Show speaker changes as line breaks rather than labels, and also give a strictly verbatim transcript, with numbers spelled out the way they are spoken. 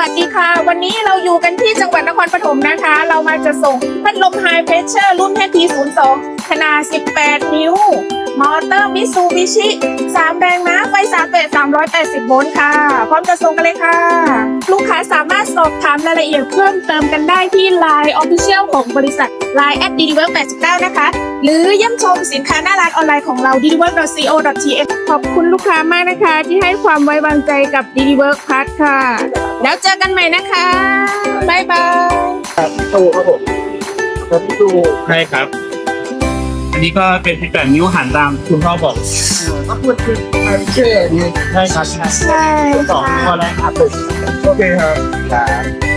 วัสดีค่ะวันนี้เราอยู่กันที่จังหวัดนครปฐมนะคะเรามาจะส่งพัดลมไฮเพรสเชอร์รุ่น เอช ที ศูนย์ สอง ขนาดสิบแปดนิ้วมอเตอร์มิตซูบิชิสามแรงม้าไฟสามเฟสสามร้อยแปดสิบโวลต์ค่ะพร้อมจะส่งกันเลยค่ะลูกค้าสามารถสอบถามรายละเอียดเพิ่มเติมกันได้ที่ ไลน์ Official ของบริษัท ไลน์ แอท ดี ดี เวิร์ค แปดสิบเก้า นะคะหรือเยี่ยมชมสินค้าหน้าร้านออนไลน์ของเรา ดี ดี เวิร์ค ดอท ซี โอ ดอท ที เอช ขอบคุณลูกค้ามากนะคะที่ให้ความไว้วางใจกับ ดี ดี เวิร์ค พัทค่ะแล้วเจอกันใหม่นะคะบ๊ายบาย
ครับพี่ตูครับผมครับพี่ตู
ใช่ครับ อันนี้ก็เป็นสิบแปดนิ้วหันตามคุณพ่อบอก
ก็พูดคือไอเชื่อนี่
ใช่ครับ
ใช่
สอง
ค่ะ
ข้อแรกครับ
โอเคครับ
ครับ